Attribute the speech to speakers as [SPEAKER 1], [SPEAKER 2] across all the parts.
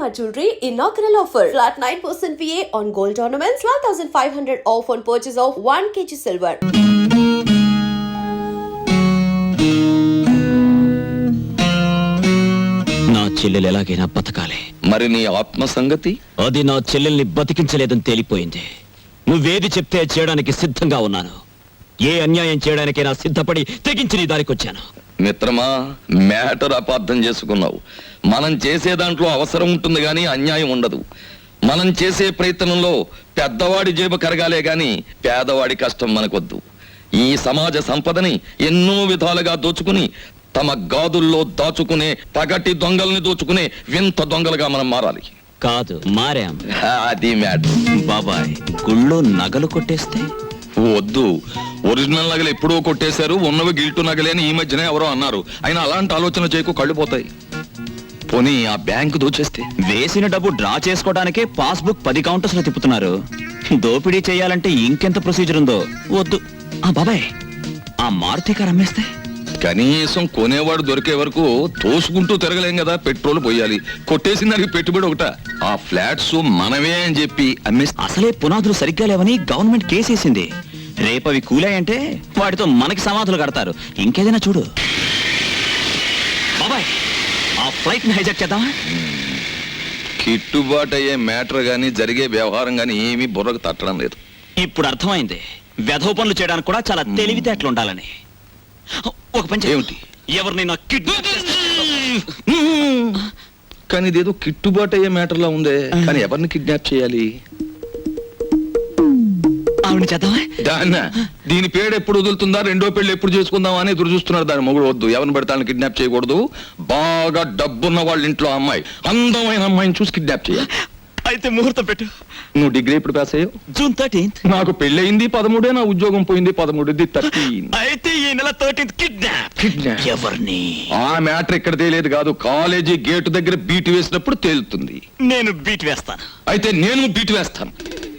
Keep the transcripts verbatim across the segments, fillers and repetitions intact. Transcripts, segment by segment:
[SPEAKER 1] Shalimar Jewelry inaugural offer. Flat nine percent V A on gold ornaments, twelve thousand five hundred off on purchase of one kilogram silver.
[SPEAKER 2] నా చెల్లెలు ఎలాగైనా బతకాలి.
[SPEAKER 3] మరి నీ ఆత్మ సంగతి?
[SPEAKER 2] అది నా చెల్లెల్ని బతికించలేదని తేలిపోయింది. నువ్వేది చెప్తే చేయడానికి సిద్ధంగా ఉన్నాను. ఏ అన్యాయం చేయడానికైనా సిద్ధపడి తెగించి నీ దారికొచ్చాను.
[SPEAKER 3] మిత్రమా, మ్యాటర్ అపార్థం చేసుకున్నావు. మనం చేసే దాంట్లో అవసరం ఉంటుంది గాని అన్యాయం ఉండదు. మనం చేసే ప్రయత్నంలో పెద్దవాడి జేబు కరగాలే గాని పేదవాడి కష్టం మనకొద్దు. ఈ సమాజ సంపదని ఎన్నో విధాలుగా దోచుకుని తమ గాదుల్లో దాచుకునే పగటి దొంగల్ని దోచుకునే వింత దొంగలుగా మనం మారాలి.
[SPEAKER 2] కాదు, మారాం.
[SPEAKER 3] అది మ్యాటర్.
[SPEAKER 2] బాబాయ్, గుళ్ళో నగలు కొట్టేస్తే
[SPEAKER 3] వద్దు. ఒరిజినల్ నగలు ఎప్పుడో కొట్టేశారు, ఉన్నవి గిల్టు నగలే అని ఈ మధ్యనే ఎవరో అన్నారు. అయినా అలాంటి ఆలోచన చేయకు, కళ్ళు పోతాయి. పోనీ ఆ బ్యాంకు దోచేస్తే?
[SPEAKER 2] వేసిన డబ్బు డ్రా చేసుకోవడానికే పాస్బుక్ పది కౌంటర్స్ లో తిప్పుతున్నారు. దోపిడీ చేయాలంటే ఇంకెంత ప్రొసీజర్ ఉందో. వద్దు. ఆ బాబాయ్, ఆ మారుతి కారు అమ్మేస్తే?
[SPEAKER 3] కనీసం కొనేవాడు దొరికే వరకు తోసుకుంటూ తిరగలేం కదా. పెట్రోల్ పోయాలి. కొట్టేసిన దానికి పెట్టుబడి ఒకట. ఆ ఫ్లాట్స్ మనమే అని చెప్పి అమ్మేస్తే?
[SPEAKER 2] అసలే పునాదులు సరిగ్గా లేవని గవర్నమెంట్ కేసేసింది. రేపవి కూలాయంటే వాటితో మనకి సమాధులు కడతారు. ఇంకేదైనా చూడు. బాబాయ్, ఆ ఫ్లైట్ ని హైజాక్ చేద్దామా?
[SPEAKER 3] కిట్టుబాటు అయ్యే మ్యాటర్ గాని జరిగే వ్యవహారం గాని ఏమీ బుర్రకు తట్టడం లేదు.
[SPEAKER 2] ఇప్పుడు అర్థమైంది వెధవ పనులు చేయడానికి కూడా చాలా తెలివితేటలు ఉండాలని. ఒక పని
[SPEAKER 3] ఏమిటి?
[SPEAKER 2] ఎవరినైనా కిడ్నాప్
[SPEAKER 3] కానీ ఇదేదో కిట్టుబాటు అయ్యే మ్యాటర్ లా ఉందే. కానీ ఎవరిని కిడ్నాప్ చేయాలి?
[SPEAKER 2] ఆవిడ చేద్దామా?
[SPEAKER 3] దాన్న దీని పేరు ఎప్పుడు వదులుతుందా, రెండో పెళ్లి ఎప్పుడు చేసుకుందామా అని ఎదురు చూస్తున్నారు. దాని మొగుడు వద్దు, ఎవరిని పెడతాను కిడ్నాప్ చేయకూడదు. బాగా డబ్బున్న వాళ్ళ ఇంట్లో అమ్మాయి, అందమైన అమ్మాయిని చూసి కిడ్నాప్ చేయాలి.
[SPEAKER 2] అయితే ముహూర్తం పెట్టు.
[SPEAKER 3] నువ్వు డిగ్రీ ఎప్పుడు పాస్ అయ్యావు?
[SPEAKER 2] June thirteenth.
[SPEAKER 3] నాకు పెళ్ళయింది పదమూడే, నా ఉద్యోగం పోయింది పదమూడు. థర్టీన్.
[SPEAKER 2] అయితే ఈ నెల థర్టీన్త్ కిడ్నాప్.
[SPEAKER 3] కిడ్నాప్
[SPEAKER 2] ఎవరిని?
[SPEAKER 3] ఆ మ్యాటర్ ఇక్కడ తేలేదు కాదు, కాలేజీ గేటు దగ్గర బీట్ వేసినప్పుడు తేలుతుంది.
[SPEAKER 2] నేను బీట్ వేస్తాను.
[SPEAKER 3] అయితే నేను బీట్ వేస్తాను.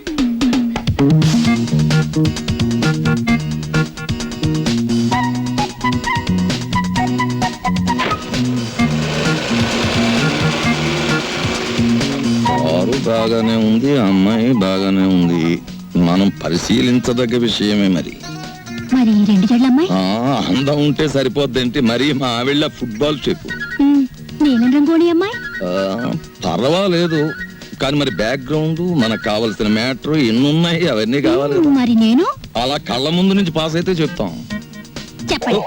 [SPEAKER 3] కారు బాగానే ఉంది, అమ్మాయి బాగానే ఉంది. మనం పరిశీలించదగ్గ విషయమే. మరి
[SPEAKER 4] మరి రెండు జడ్ల అమ్మాయి
[SPEAKER 3] అందం ఉంటే సరిపోద్దేంటి? మరి మా ఆవిళ్ళ ఫుట్బాల్ చెప్పు.
[SPEAKER 4] నీలం రంగోళి అమ్మాయి
[SPEAKER 3] పర్వాలేదు, కానీ మరి బ్యాక్గ్రౌండ్, మనకు కావలసిన మ్యాటర్ ఎన్నున్నాయి, అవన్నీ కావాలి.
[SPEAKER 4] మరి నేను
[SPEAKER 3] అలా కళ్ళ ముందు నుంచి పాస్ అయితే చెప్తాం.
[SPEAKER 4] చెప్పండి.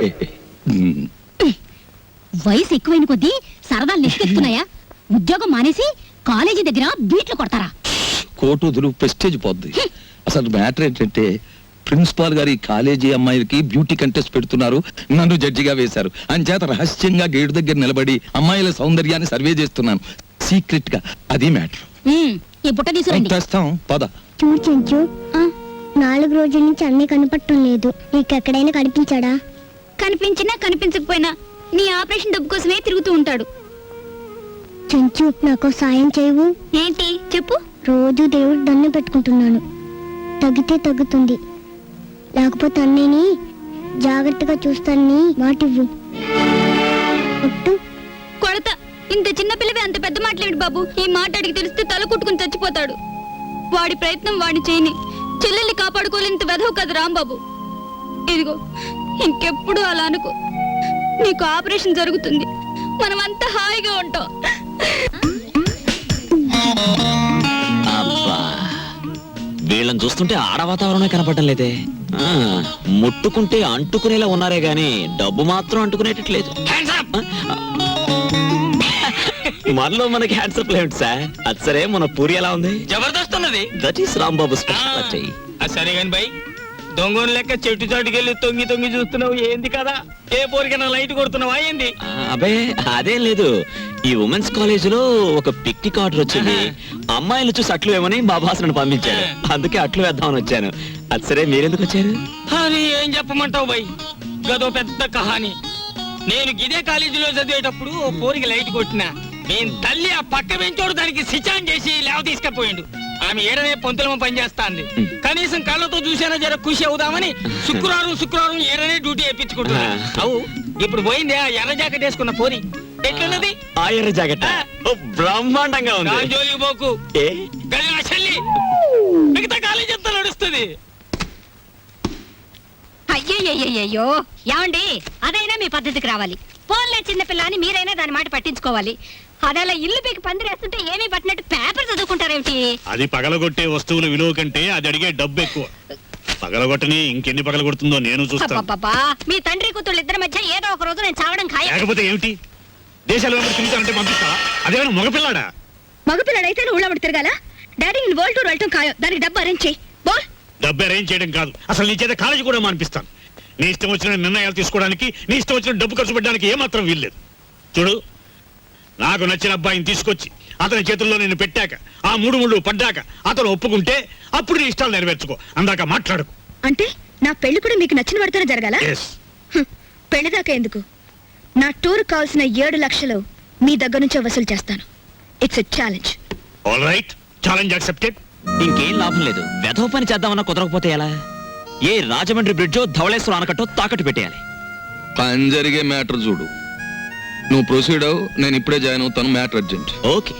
[SPEAKER 4] వయసు ఎక్కువైన కొద్దీ సరదాలు నెక్కెత్తున్నాయా? ఉద్యోగం మానేసి కాలేజీ దగ్గర బీట్లు కొడతారా?
[SPEAKER 3] కోటు వదులు, ప్రెస్టేజ్ పోద్ది. అసలు మ్యాటర్ ఏంటంటే ప్రిన్సిపాల్ గారి కాలేజీ అమ్మాయిలకి బ్యూటీ కంటెస్ట్ పెడుతున్నారు, నన్ను జడ్జిగా వేశారు. అంచేత రహస్యంగా గేటు దగ్గర నిలబడి అమ్మాయిల సౌందర్యాన్ని సర్వే చేస్తున్నాను సీక్రెట్ గా. అది మ్యాటర్.
[SPEAKER 4] ఈ బుట్ట తీసుకురండి.
[SPEAKER 3] తెస్తాం పద.
[SPEAKER 5] చూడు చెంచు, నాలుగు రోజుల నుంచి అన్నీ కనపడటం లేదు. నీకెక్కడైనా కనిపించాడా?
[SPEAKER 4] కనిపించినా కనిపించకపోయినా నీ ఆపరేషన్ డబ్బు కోసమే తిరుగుతూ ఉంటాడు.
[SPEAKER 5] చెంచు, నాకు సాయం చేయవు?
[SPEAKER 4] ఏంటి చెప్పు.
[SPEAKER 5] రోజు దేవుడు దండం పెట్టుకుంటున్నాను, తగ్గితే తగ్గుతుంది, లేకపోతే అన్నయ్యని జాగ్రత్తగా చూస్తానని మాటివ్వు. ఒట్టు.
[SPEAKER 4] కొడతా. ఇంత చిన్న పిల్లవే అంత పెద్ద మాటలేడు బాబు. ఈ మాట అడిగి తెలిస్తే తల కుట్టుకుని చచ్చిపోతాడు. వాడి ప్రయత్నం వాడిని చేయని. చెల్లెల్ని కాపాడుకోలేంత వెధవు కదా రాంబాబు. ఇదిగో, ఇంకెప్పుడు అలా అనుకో. నీకు ఆపరేషన్ జరుగుతుంది, మనం అంతా హాయిగా ఉంటాం.
[SPEAKER 2] అబ్బా, వీళ్ళని చూస్తుంటే ఆడ వాతావరణమే కనపడటం లేదే. ముట్టుకుంటే అంటుకునేలా ఉన్నారే గాని డబ్బు మాత్రం అంటుకునేటట్లేదు. మనలో మనకి హ్యాండ్సప్ లేదు సార్. అది సరే, మన పూరి ఎలా ఉంది?
[SPEAKER 6] జబర్దస్త్ ఉన్నది.
[SPEAKER 2] That is Rambabu speciality.
[SPEAKER 6] సరే గాని బై, దొంగను లెక్క చెట్టు చాటుకెళ్ళి తొంగి తొంగి చూస్తున్నావు ఏంది కదా? ఏ పోరికైనా లైట్ కొడుతున్నావా ఏంది?
[SPEAKER 2] అబే అదేం లేదు. ఈ ఉమెన్స్ కాలేజ్ లో ఒక పిక్నిక్ ఆర్డర్ వచ్చింది. అమ్మాయిలు చూసి అట్లు వేమని మా బాస్ నన్ను పంపించాడు. అందుకే అట్లు వేద్దామని వచ్చాను. అది సరే, మీరెందుకు వచ్చారు?
[SPEAKER 6] అది ఏం చెప్పమంటావు బై, గదో పెద్ద కహాని. నేను గిదే కాలేజీలో చదివేటప్పుడు ఓ పోరికి లైట్ కొట్టినా. నేను తల్లి ఆ పక్క వెంచోడు దానికి సిచాన్ చేసి లేవ తీసుకపోయిండు. ఆమె ఏడనే పొంతులమ పనిచేస్తాంది. కనీసం కళ్ళతో చూసేనా జర ఖుషి అవుదామని శుక్రవారం శుక్రవారం ఏడనే డ్యూటీ వేయించుకుంటున్నా. అవు ఇప్పుడు పోయింది ఆ ఎర్ర జాకెట్ వేసుకున్న పోరి. ఎట్లున్నది
[SPEAKER 2] ఆ ఎర్ర జాకెట్ ఓ బ్రహ్మాండంగా ఉంది
[SPEAKER 6] జోలికి పోకు
[SPEAKER 2] ఏ
[SPEAKER 6] గది నా చెల్లి మిగతా కాలేజ్ అంతా నడుస్తుంది
[SPEAKER 7] అయ్యయ్యయ్యో ఏమండి అదైనా మీ పద్ధతికి రావాలి పోన్లే చిన్నపిల్ల అని మీరైనా దాని మాట పట్టించుకోవాలి అదలా ఇల్లు పీకి పందిరేస్తుంటే ఏమీ పట్టినట్టు పేపర్ చదువుకుంటారేమిటి
[SPEAKER 8] అది పగలగొట్టే వస్తువుల విలువ కంటే అది అడిగే డబ్బు ఎక్కువ పగలగొట్టని ఇంకెన్ని పగలగొడుతుందో నేను చూస్తాను
[SPEAKER 7] అబ్బబ్బబ్బా, మీ తండ్రి కూతుళ్ళు ఇద్దరి మధ్య ఏదో ఒక రోజు నేను చావడం ఖాయం
[SPEAKER 8] లేకపోతే ఏమిటి దేశాలు వెంబడి తిరుగుతానంటే పంపిస్తా అదేమైనా మగపిల్లాడా
[SPEAKER 7] మగపిల్లడైతే నువ్వు ఊళ్ళబడి తిరగాల డాడీ నేను వరల్డ్ టూర్ వెళ్ళటం ఖాయం దానికి డబ్బు అరేంజ్ చేయి బోల్
[SPEAKER 8] డబ్బు అరేంజ్ చేయడం కాదు అసలు నీ చేత కాలేజీ కూడా మానిపిస్తాను నీ ఇష్టం వచ్చిన నిర్ణయాలు తీసుకోవడానికి నీ ఇష్టం వచ్చిన డబ్బు ఖర్చు పెట్టడానికి ఏమాత్రం వీల్లేదు చూడు నాకు నచ్చిన అబ్బాయిని తీసుకొచ్చి అతని చేతుల్లో నేను పెట్టాక ఆ మూడు ముళ్ళు పడ్డాక అతను ఒప్పుకుంటే అప్పుడు నీ ఇష్టాలు నెరవేర్చుకో అందాక మాట్లాడుకు
[SPEAKER 7] అంటే నా పెళ్లి కూడా మీకు నచ్చిన పడితేనే జరగాల
[SPEAKER 8] ఎస్
[SPEAKER 7] పెళ్లి దాకా ఎందుకు నా టూర్ కావాల్సిన ఏడు లక్షలు మీ దగ్గర నుంచే వసూలు చేస్తాను it's a challenge
[SPEAKER 8] all right challenge accepted
[SPEAKER 2] ఇంకేం లాభం లేదు వెధవ పని చేద్దామన్నా కుదరకపోతే ఎలా ఏ రాజమండ్రి బ్రిడ్జో ధవళేశ్వరం ఆనకట్టో తాకట్టు పెట్టేయాలి
[SPEAKER 3] పని జరిగే మ్యాటర్ చూడు నువ్వు ప్రొసీడ్ అవు నేను ఇప్పుడే జాయిన్ అవుతాను మ్యాటర్ అర్జెంట్
[SPEAKER 2] ఓకే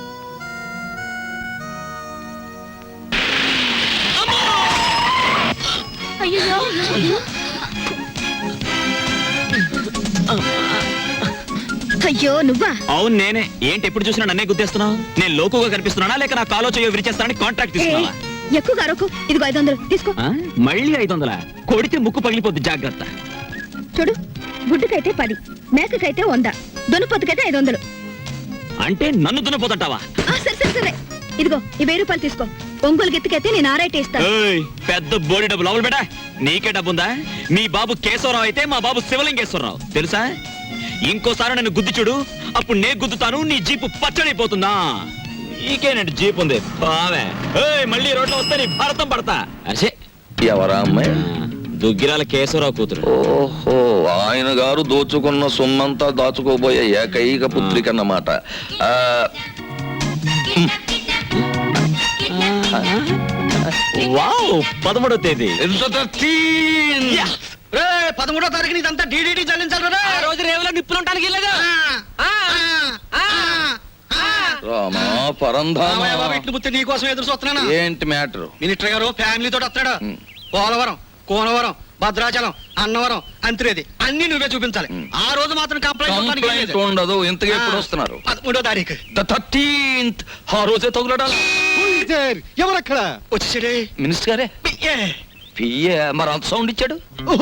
[SPEAKER 7] అయ్యో నువ్వా
[SPEAKER 2] అవును నేనే ఏంటి ఎప్పుడు చూసినా నన్నే గుద్దేస్తున్నావు నేను లోకుగా కనిపిస్తున్నానా లేక నా కాలో చేయో విరిచేస్తానని కాంట్రాక్ట్ తీసుకున్నావా
[SPEAKER 7] ఎక్కువ అరకు ఇదిగో ఐదు వందలు తీసుకో
[SPEAKER 2] ఆ? మళ్ళీ ఐదు వందల కొడితే ముక్కు పగిలిపోద్ది జాగ్రత్త
[SPEAKER 7] చూడు గుడ్డుకైతే పది మేకకైతే వంద దున్నపోతుకైతే ఐదు వందలు
[SPEAKER 2] అంటే నన్ను దున్నపోతుంటావా
[SPEAKER 7] ఆ, సరే సరే సరే ఇదిగో ఈ వెయ్యి రూపాయలు తీసుకో ఒంగోలు గెత్తికైతే నేను ఆరైతే ఇస్తాను
[SPEAKER 2] ఏయ్, పెద్ద బోడి డబ్బు లోపల బేటా నీకే డబ్బుందా మీ బాబు కేశవరావు అయితే మా బాబు శివలింగేశ్వరరావు తెలుసా ఇంకోసారి నన్ను గుద్ది చూడు అప్పుడు నే గుద్దుతాను నీ జీపు పచ్చడైపోతుందా నీకేనండి జీప్ ఉంది బావే ఏయ్, మళ్ళీ రోడ్లో వస్తే నీ భారతం పడతా అరే
[SPEAKER 3] ఎవరా అమ్మాయి
[SPEAKER 2] దుగ్గిరాల కేశవరావు కూతురు
[SPEAKER 3] ఓహో ఆయన గారు దోచుకున్న సొమ్మంతా దాచుకోబోయే ఏకైక పుత్రిక అన్నమాట ఆ,
[SPEAKER 2] వావ్ పదమూడో తేదీ
[SPEAKER 3] ఎంత థర్టీన్.
[SPEAKER 6] పదమూడో తారీఖు ఇదంతా డీడీటీ చెల్లించాలి ఆ రోజు రేవులో నిప్పులుంటానికి వెళ్ళగా
[SPEAKER 3] రామా పరంధామా
[SPEAKER 6] నీకోసం ఎదురు చూస్తున్నాను
[SPEAKER 3] ఏంటి మ్యాటర్
[SPEAKER 6] మినిస్టర్ గారు ఫ్యామిలీతో వస్తాడు
[SPEAKER 3] ఉమ్.
[SPEAKER 6] పోలవరం కోనవరం భద్రాచలం అన్నవరం అంత్రేది అన్ని నువ్వే చూపించాలి ఆ రోజు మాత్రం
[SPEAKER 3] కంప్లైంట్
[SPEAKER 6] కంప్లైంట్
[SPEAKER 3] ఉండదు ఇంతగా ఎప్పుడు వస్తున్నారు
[SPEAKER 6] పదమూడో తారీఖు
[SPEAKER 3] ద థర్టీన్త్ ఆ రోజే తగులడాలి
[SPEAKER 6] ఎవరక్కడ వచ్చేసాడే
[SPEAKER 3] మినిస్టర్ గారే పియ్యే మరి అంత సౌండ్ ఇచ్చాడు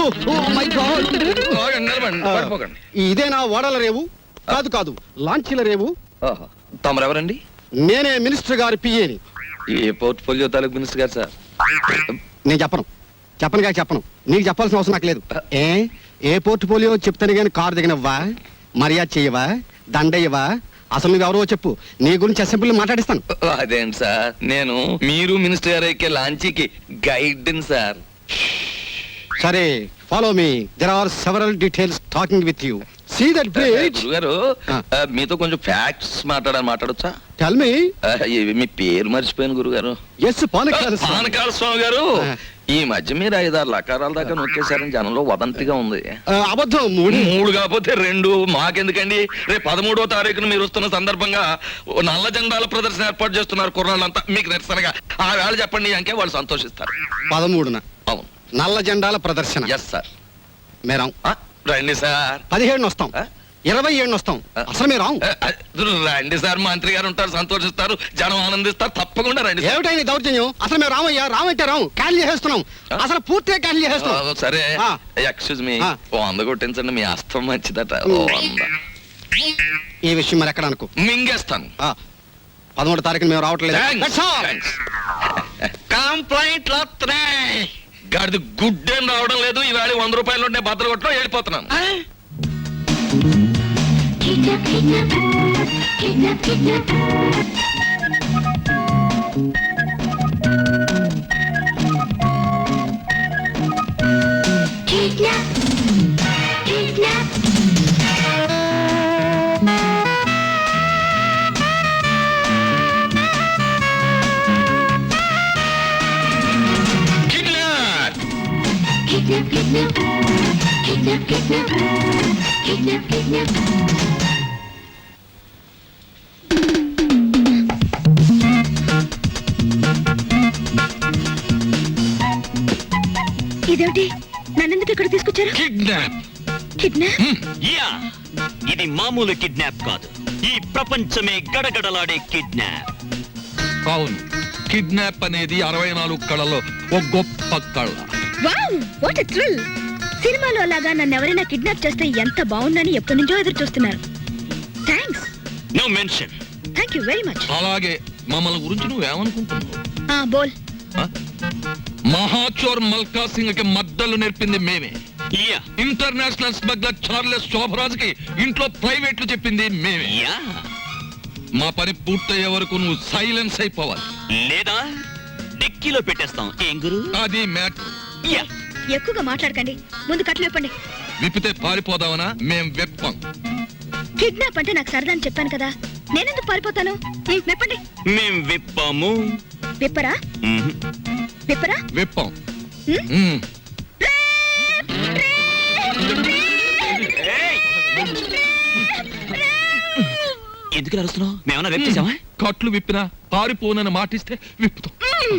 [SPEAKER 3] ఆగండి, నిలబడండి, పడిపోకండి.
[SPEAKER 9] ఇదేనా ఓడల రేవు కాదు కాదు లాంచీల రేవు
[SPEAKER 3] ఆహా. తమరెవరండి
[SPEAKER 9] నేనే మినిస్టర్ గారి పిఏని
[SPEAKER 3] ఏ పోర్ట్ఫోలియో తాలూకు మినిస్టర్ గారు సార్
[SPEAKER 9] నేను చెప్పను చెప్పను కాక చెప్పను నీకు చెప్పాల్సిన అవసరం నాకు లేదు ఏ ఏ పోర్ట్ఫోలియో చెప్తాను కానీ కారు దిగనివ్వా మర్యాద చెయ్యవా దండయ్యవా అసలు నువ్వెవరో చెప్పు నీ గురించి అసెంబ్లీలో మాట్లాడిస్తాను
[SPEAKER 3] అదేంటి సార్ నేను మీరు మినిస్టర్ గారు ఎక్కే లాంచీకి గైడ్ సార్
[SPEAKER 9] సరే follow me there are several details talking with you see that bridge
[SPEAKER 3] గురుగారు
[SPEAKER 9] ఆ.
[SPEAKER 3] ఆ, మీతో కొంచెం ఫ్యాక్ట్స్ మాట్లాడాలి మాట్లాడొచ్చా
[SPEAKER 9] టెల్ మీ
[SPEAKER 3] ఆ, ఇవి మీ పేరు మర్చిపోయాను గురుగారు
[SPEAKER 9] ఎస్ పానకాల
[SPEAKER 3] పానకాల స్వామి గారు
[SPEAKER 9] ఆ.
[SPEAKER 3] ఈ మధ్య మీరు ఐదారు లకారాల దాకా నొక్కేశారని జనంలో వదంతిగా ఉంది
[SPEAKER 9] అబద్ధం మూడు
[SPEAKER 3] మూడు కాకపోతే రెండు మాకెందుకండి రేపు పదమూడో తారీఖున మీరు వస్తున్న సందర్భంగా ఓ నల్ల జెండాల ప్రదర్శన ఏర్పాటు చేస్తున్నారు కుర్రాళ్ళంతా మీకు నిరసనగా ఆ వేళ చెప్పండి అంకే వాళ్ళు సంతోషిస్తారు
[SPEAKER 9] పదమూడున
[SPEAKER 3] అవును
[SPEAKER 9] నల్ల జెండాల ప్రదర్శన
[SPEAKER 3] ఎస్ సార్
[SPEAKER 9] మేరం
[SPEAKER 3] రండి సార్
[SPEAKER 9] పదిహేడున వస్తాం
[SPEAKER 3] ఆ?
[SPEAKER 9] ఇరవై ఏడున వస్తాం
[SPEAKER 3] ఆ.
[SPEAKER 9] అసలు మీరు రాం
[SPEAKER 3] ఆ, ఆ, రండి సార్ మంత్రి గారు ఉంటారు సంతోషిస్తారు జనం ఆనందిస్తారు తప్పకుండా రండి సార్.
[SPEAKER 9] ఏమిటైంది దౌర్జన్యం అసలు మేము రామయ్యా రామంటే రాము క్యాన్సిల్ చేసేస్తున్నాం అసలు పూర్తిగా క్యాన్సిల్
[SPEAKER 3] ఆ,
[SPEAKER 9] చేసేస్తున్నాం
[SPEAKER 3] సరే
[SPEAKER 9] ఆ.
[SPEAKER 3] ఎక్స్క్యూజ్ మీ
[SPEAKER 9] ఆ.
[SPEAKER 3] ఓ వంద కొట్టించండి మీ అస్తం మంచిదట ఓ వంద
[SPEAKER 9] ఈ విషయం మరి ఎక్కడ అనుకో
[SPEAKER 3] మింగేస్తాను
[SPEAKER 9] ఆ, పదమూడు తారీఖున మేము రావట్లేదు
[SPEAKER 3] Thanks.
[SPEAKER 9] That's all.
[SPEAKER 3] Thanks.
[SPEAKER 6] Complaint వస్తున్నాయి
[SPEAKER 3] గాడిది గుడ్ ఏం రావడం లేదు ఈవేళ వంద రూపాయలు ఉంటే భద్ర కొట్టడం వెళ్ళిపోతున్నాను Kidnap!
[SPEAKER 4] ఇదేమిటి నన్నెందుకు ఇక్కడ తీసుకొచ్చారు
[SPEAKER 3] కిడ్నాప్
[SPEAKER 4] కిడ్నాప్
[SPEAKER 2] యా ఇది మామూలు కిడ్నాప్ కాదు, ఈ ప్రపంచమే గడగడలాడే కిడ్నాప్.
[SPEAKER 3] అవును, కిడ్నాప్ అనేది అరవై నాలుగు కళలో ఒక గొప్ప కళ.
[SPEAKER 4] Wow what a thrill. సినిమాలో లాగా నన్ను ఎవరైనా కిడ్నాప్ చేస్తే ఎంత బాగుందని ఎప్పటి నుంచో ఎదురు చూస్తున్నారు. Thanks.
[SPEAKER 2] No mention.
[SPEAKER 4] Thank you very much.
[SPEAKER 3] అలాగే మమ్మల్ని గురించి నువ్వేమనుకుంటున్నావు?
[SPEAKER 4] ఆ బోల్.
[SPEAKER 3] ఆ? మహాచోర్ మల్కా సింగ్ కి మద్దలు నేర్పింది మేమే.
[SPEAKER 2] Yeah
[SPEAKER 3] international smuggler Charles Sobhraj కి ఇంట్లో ప్రైవేట్లు చెప్పింది మేమే.
[SPEAKER 2] యా
[SPEAKER 3] మా పని పూర్తయ్యే వరకు నువ్వు సైలెన్స్ అయిపోవాలి.
[SPEAKER 2] లేదా డిక్కీలో పెట్టేస్తాం. ఏం గురు?
[SPEAKER 3] అది మ్యాటర్.
[SPEAKER 2] యా
[SPEAKER 4] ఎక్కువగా మాట్లాడకండి, ముందు కట్లు విప్పండి.
[SPEAKER 3] విప్పితే పారిపోదామనా? మేం వెప్పం.
[SPEAKER 4] కిడ్నాప్ అంటే నాకు సరదా అని చెప్పాను కదా, నేనెందుకు పారిపోతాను? ఉమ్, విప్పండి.
[SPEAKER 2] మేం విప్పాము.
[SPEAKER 4] విప్పరా
[SPEAKER 2] మ్మ్.
[SPEAKER 4] విప్పరా
[SPEAKER 3] వెప్పం.
[SPEAKER 4] ఉమ్?
[SPEAKER 3] మ్మ్.
[SPEAKER 2] ఏయ్! ఎందుకు అరుస్తున్నావు? మేమన్నా వెప్ చేసామా?
[SPEAKER 3] కట్లు విప్పినా పారిపోనని మాటిస్తే విప్పుతాం.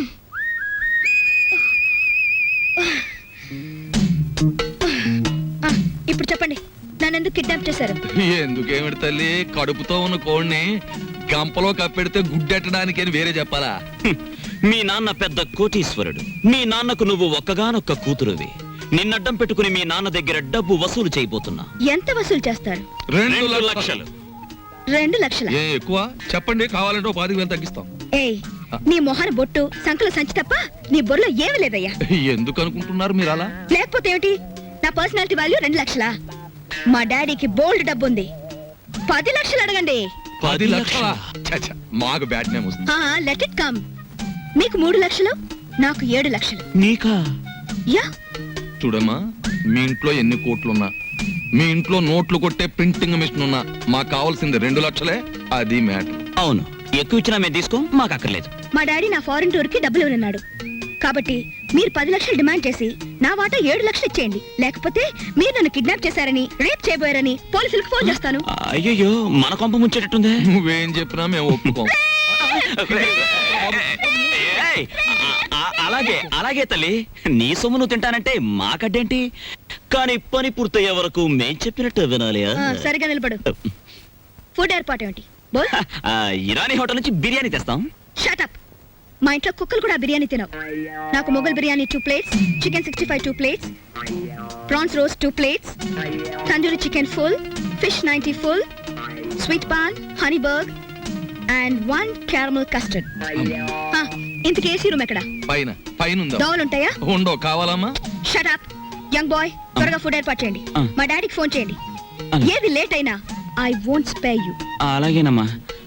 [SPEAKER 4] ఆ, ఇప్పుడు చెప్పండి నన్నెందుకు కిడ్నాప్ చేశారు?
[SPEAKER 3] ఎందుకేమిటి తల్లి, కడుపుతో ఉన్న కోడిని గంపలో కప్పెడితే గుడ్డెట్టడానికి అని వేరే చెప్పాలా?
[SPEAKER 2] హ్మ్. మీ నాన్న పెద్ద కోటీశ్వరుడు. మీ నాన్నకు నువ్వు ఒక్కగానొక్క కూతురువి. నిన్నడ్డం పెట్టుకుని మీ నాన్న దగ్గర డబ్బు వసూలు చేయబోతున్నా.
[SPEAKER 4] ఎంత వసూలు చేస్తారు?
[SPEAKER 3] రెండు
[SPEAKER 2] రెండు
[SPEAKER 3] లక్షలు.
[SPEAKER 2] లక్షలు.
[SPEAKER 4] రెండు లక్షల.
[SPEAKER 3] ఏ ఎక్కువ చెప్పండి, కావాలంటే ఓ పాతిక వేలు తగ్గిస్తాం.
[SPEAKER 4] ఏయ్ నీ మొహన బొట్టు సంకల సంచి తప్ప నీ బొర్రలో ఏమీ లేదయ్యా.
[SPEAKER 3] ఎందుకు అనుకుంటున్నారు మీరు అలా?
[SPEAKER 4] లేకపోతే ఏమిటి, నా పర్సనాలిటీ వాల్యూ రెండు లక్షలా? మా డాడీకి బోల్డ్ డబ్బు ఉంది, పది లక్షలు అడగండి.
[SPEAKER 3] పది లక్షల మాకు బ్యాట్ నేమ్ వస్తుంది.
[SPEAKER 4] Let it come. మీకు మూడు లక్షలు, నాకు ఏడు లక్షలు.
[SPEAKER 2] నీకా?
[SPEAKER 4] యా
[SPEAKER 3] చూడమ్మా, మీ ఇంట్లో ఎన్ని కోట్లున్నా, మీ ఇంట్లో నోట్లు కొట్టే ప్రింటింగ్ మిషన్ ఉన్నా, మాకు కావాల్సింది రెండు లక్షలే. అది మ్యాటర్.
[SPEAKER 2] అవును, ఎక్కువ ఇచ్చినా మేము తీసుకో, మాకు అక్కర్లేదు.
[SPEAKER 4] మా డాడీ నా ఫారెన్ టూర్ కి డబ్బులు ఇవ్వనున్నాడు, కాబట్టి మీరు పది లక్షలు డిమాండ్ చేసి నా వాటా ఏడు లక్షలు ఇచ్చేయండి. లేకపోతే మీరు నన్ను కిడ్నాప్ చేశారని, రేప్ చేయబోయారని పోలీసులకు ఫోన్ చేస్తాను.
[SPEAKER 2] అయ్యయ్యో, మన కొంప ముంచేటట్టుందే.
[SPEAKER 3] నువ్వేం చెప్పినా మేము ఒప్పుకోం.
[SPEAKER 2] ఏయ్, ఆ- ఆ- అలాగే అలాగే తల్లి, నీ సొమ్ము నువ్వు తింటానంటే మాకడ్డేంటి? కానీ పని పూర్తయ్యే వరకు మేం చెప్పినట్టు వినాలి.
[SPEAKER 4] ఆ, సరిగా నిలబడు. ఫుడ్ ఏర్పాటు ఏమిటి? బోల్.
[SPEAKER 2] ఆ, ఇరానీ హోటల్ నుంచి బిర్యానీ తెస్తాం.
[SPEAKER 4] Shut up. మా ఇంట్లో కుక్కలు కూడా బిర్యానీ తినవు. నాకు Mughal biryani two plates, chicken sixty five two plates, prawns roast two plates, tandoori chicken full, fish ninety full, sweet paan, honey burg and one caramel custard. ఇంతకీ ఏసీ రూమ్ ఎక్కడ?
[SPEAKER 3] పైన పైన ఉందా?
[SPEAKER 4] దోవలు ఉంటాయా?
[SPEAKER 3] ఉండో, కావాలమ్మా?
[SPEAKER 4] షట్ అప్ యంగ్ బాయ్, త్వరగా ఫుడ్ ఏర్పాటు చేయండి.
[SPEAKER 2] ఆ.
[SPEAKER 4] మా డాడీకి ఫోన్ చేయండి.
[SPEAKER 2] ఆ.
[SPEAKER 4] ఏది లేట్ అయినా ఐ వోంట్ స్పేర్ యూ.
[SPEAKER 2] అలాగేనమ్మా.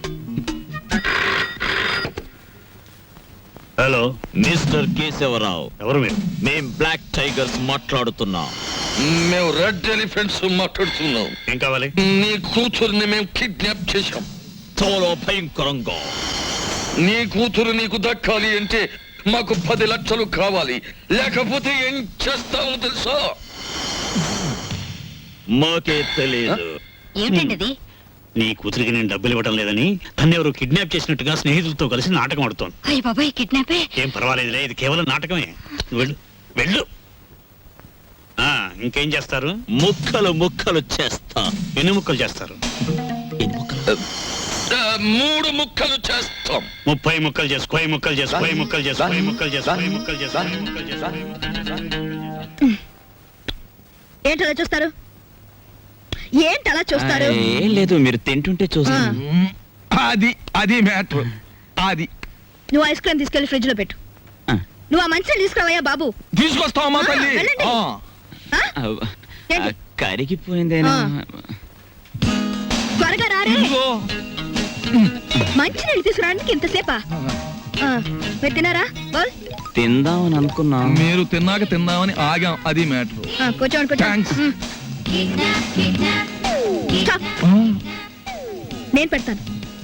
[SPEAKER 8] హలో,
[SPEAKER 2] మిస్టర్ కేశవరావు,
[SPEAKER 8] ఎవరు మీరు?
[SPEAKER 2] మేం బ్లాక్ టైగర్స్ మాట్లాడుతున్నాం.
[SPEAKER 3] మేము రెడ్ ఎలిఫెంట్స్ మాట్లాడుతున్నాం.
[SPEAKER 8] ఏం కావాలి?
[SPEAKER 3] నీ కూతురుని మేము కిడ్నాప్ చేశాం.
[SPEAKER 2] చాలా భయంకరంగా.
[SPEAKER 3] నీ కూతురు నీకు దక్కాలి అంటే మాకు పది లక్షలు కావాలి, లేకపోతే ఏం చేస్తామో తెలుసా?
[SPEAKER 2] మాకే తెలియదు.
[SPEAKER 7] ఏమిటండి అది?
[SPEAKER 8] నీ కూతురికి నేను డబ్బులు ఇవ్వడం లేదని తను ఎవరు కిడ్నాప్ చేసినట్టుగా స్నేహితులతో కలిసి నాటకం ఆడుతోంది.
[SPEAKER 7] అయ్య బాబాయ్, కిడ్నాపే.
[SPEAKER 8] ఏం పర్వాలేదులే, ఇది కేవలం నాటకమే. నువ్వు వెళ్ళు వెళ్ళు. ఆ, ఇంకేం చేస్తారు?
[SPEAKER 2] ముక్కలు ముక్కలు చేస్తా.
[SPEAKER 8] ఎన్ని ముక్కలు చేస్తారు?
[SPEAKER 2] ఎన్ని ముక్కలు?
[SPEAKER 3] ఆ, మూడు ముక్కలు చేస్తాం.
[SPEAKER 8] ముప్పై ముక్కలు చేసు, కోయి ముక్కలు చేసు, కోయి ముక్కలు చేసు, కోయి ముక్కలు చేసు, కోయి ముక్కలు చేసు, కోయి ముక్కలు చేసు.
[SPEAKER 4] ఏంటి అలా చూస్తారు? ఏంటి అలా చూస్తారు?
[SPEAKER 2] ఆ, ఏం లేదు, మీరు తింటుంటే చూస్తాను.
[SPEAKER 3] మ్, అది అది మ్యాటర్. అది
[SPEAKER 4] నువ్వు ఐస్ క్రీమ్ తీసుకెళ్లి ఫ్రిడ్జ్ లో పెట్టు.
[SPEAKER 2] ఆ.
[SPEAKER 4] నువ్వు ఆ మంచిని తీసుకురావయ్యా బాబు.
[SPEAKER 3] తీసుకొస్తావమ్మా
[SPEAKER 4] ఆ,
[SPEAKER 3] తల్లి.
[SPEAKER 4] వెళ్ళండి.
[SPEAKER 3] ఆ.
[SPEAKER 4] ఆ?
[SPEAKER 2] ఆ,
[SPEAKER 4] ఏంటి?
[SPEAKER 2] కరిగిపోయిందేనా?
[SPEAKER 4] ఆ. త్వరగా రారే.
[SPEAKER 3] ఇదిగో.
[SPEAKER 4] మంచి నీళ్ళు తీసుకురావడానికి ఇంతసేపా? ఆ, మీరు తినారా? బోల్.
[SPEAKER 2] తిందామని అనుకున్నా.
[SPEAKER 3] మీరు తిన్నాక తిందామని ఆగాం. అది మ్యాటర్.
[SPEAKER 4] ఆ, కూర్చోండి
[SPEAKER 3] Thanks.
[SPEAKER 4] కూర్చోండి. Stop. నేను పెడతాను.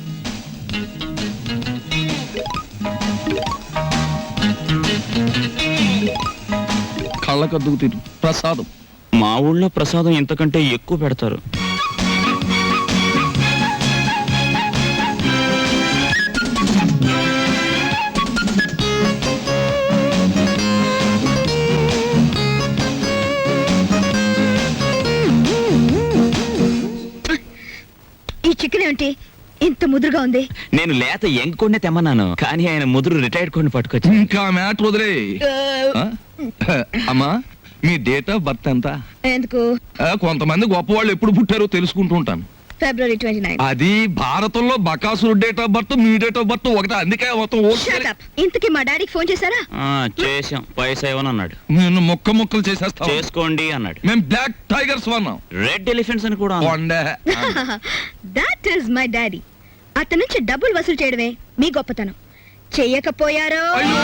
[SPEAKER 3] కళ్ళకద్దుకు తిరు ప్రసాదం.
[SPEAKER 2] మా ఊళ్ళో ప్రసాదం ఇంతకంటే ఎక్కువ పెడతారు.
[SPEAKER 7] ముదురుగా ఉంది?
[SPEAKER 2] నేను లేత ఎంకొండే తెమ్మన్నాను కానీ ఆయన ముదురు రిటైర్డ్ కొన్ని పట్టుకొచ్చి
[SPEAKER 3] ఇంకా మ్యాటర్ వదిలే ఆ? అమ్మా మీ డేట్ ఆఫ్ బర్త్ ఎంత?
[SPEAKER 7] ఎందుకు?
[SPEAKER 3] ఆ, కొంతమంది గొప్పవాళ్ళు ఎప్పుడు పుట్టారో తెలుసుకుంటూ ఉంటాను.
[SPEAKER 7] February twenty nine.
[SPEAKER 3] అది భారతంలో బకాసురు డేట్ ఆఫ్ బర్త్ మీ డేట్ ఆఫ్ బర్త్ ఒకటే, అందుకే మొత్తం ఓకే.
[SPEAKER 7] ఇంతకీ మా డాడీకి ఫోన్ చేశారా?
[SPEAKER 2] ఆ, చేశాం పైసా ఇవ్వను అన్నాడు.
[SPEAKER 3] నేను ముక్క ముక్కలు చేసేస్తాం.
[SPEAKER 2] చేసుకోండి అన్నాడు.
[SPEAKER 3] మేము బ్లాక్ టైగర్స్ వన్నాం.
[SPEAKER 2] రెడ్ ఎలిఫెంట్స్ అని కూడా అన్నాడు.
[SPEAKER 3] కొండే.
[SPEAKER 7] That is my daddy. అతని నుంచి డబ్బులు వసూలు చేయడమే మీ గొప్పతనం. చెయ్యకపోయారో
[SPEAKER 3] అయ్యో!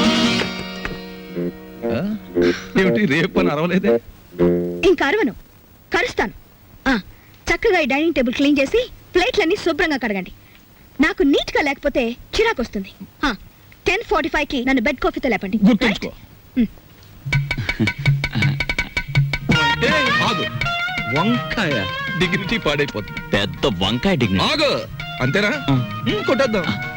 [SPEAKER 3] ఆ? ఏమిటి రేపు అని అరవలేదే?
[SPEAKER 7] ఇంకా అరవను, కరుస్తాను. ఆ, చక్కగా ఈ డైనింగ్ టేబుల్ క్లీన్ చేసి ప్లేట్లన్నీ శుభ్రంగా కడగండి. నాకు నీట్ గా లేకపోతే చిరాకు వస్తుంది. టెన్ ఫార్టీ ఫైవ్ కి నన్ను బెడ్ కాఫీతో లేపండి.
[SPEAKER 3] గుర్తుంచుకో. ఏయ్, ఆగు. వంకాయ డిగ్నిటీ పాడైపోతుంది.
[SPEAKER 2] పెద్ద వంకాయ డిగ్నిటీ.
[SPEAKER 3] ఆగు. అంతేనా?
[SPEAKER 2] ఆ.
[SPEAKER 3] ఉమ్, కొట్టేద్దాం.